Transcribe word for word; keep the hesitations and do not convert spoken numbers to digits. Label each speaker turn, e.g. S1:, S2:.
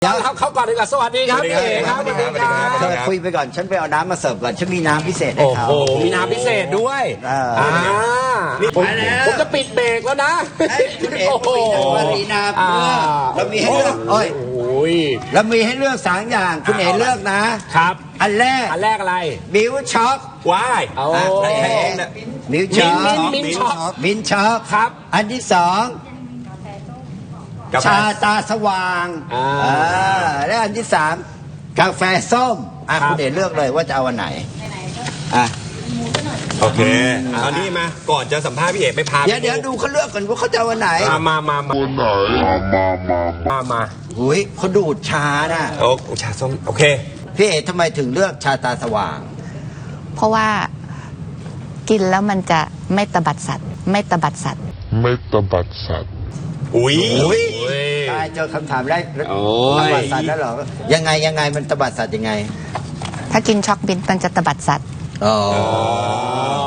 S1: เดี๋ยวเขาก่อนดีกว่าสวัสดีครับพี่เอกครับสวัสดีครับ
S2: เธอคุยไปก่อนฉันไปเอาน้ำมาเสิร์ฟก่อนฉันมีน้ำพิเศษให้
S1: โอ้
S2: เขา
S1: โหมีน้ำพิเศษด้วย
S2: อ่า
S1: อ่าผมผมจะปิดเบรกแล้วนะ
S2: คุณเอก
S1: โอ้โห
S2: มารีนา
S1: อ่า
S2: เรามีให้เลือกโอ้ย
S1: โอ้ย
S2: เรามีให้เลือกสามอย่างคุณเอกเลือกนะครับ อันแรก
S1: อันแรกอะไร
S2: บิวช็อก
S1: ว้ายโอ้
S2: อ่ะแล้วใครเองน่ะบิวช็อก
S1: มิ้นท์มิ้นท์ช็อก
S2: มิ้นท์ช็อก
S1: ครับ
S2: อันที่สองชาตาสว่าง
S1: อ่า
S2: อ่าและอันที่สามกาแฟส้มอ่ะ
S1: ครับ
S2: คุณเอกเลือกเลยว่าจะเอาอันไหนอ่ะ
S3: โอเคเอานี่มา ก่อนจะสัมภาษณ์พี่เอกไปพา
S2: เดี๋ยวเดี๋ยวดูเขาเลือกก่อนว่าเขาจะเอาอันไหน
S1: มามามามามามา
S2: หุยเขาดูดชาน่ะ
S3: โอ้ชาส้ม โอเค
S2: พี่เอกทำไมถึงเลือกชาตาสว่าง
S4: เพราะว่ากินแล้วมันจะไม่ตบัดสัตว์ ไม่ตบัดสัตว์
S5: ไม่ตบัดสัตว์
S3: อุ้ย
S2: อุ้ย
S1: โอ้ย
S2: ตายเจอคำถามแรก
S1: โอ้
S2: ต
S1: ย
S2: บัดสัตว์แล้วเหรอยังไงยังไงมันตบัดสัตว์ยังไง
S4: ถ้ากินช็อกบินมันจะตบัดสัตว์
S2: อ๋อ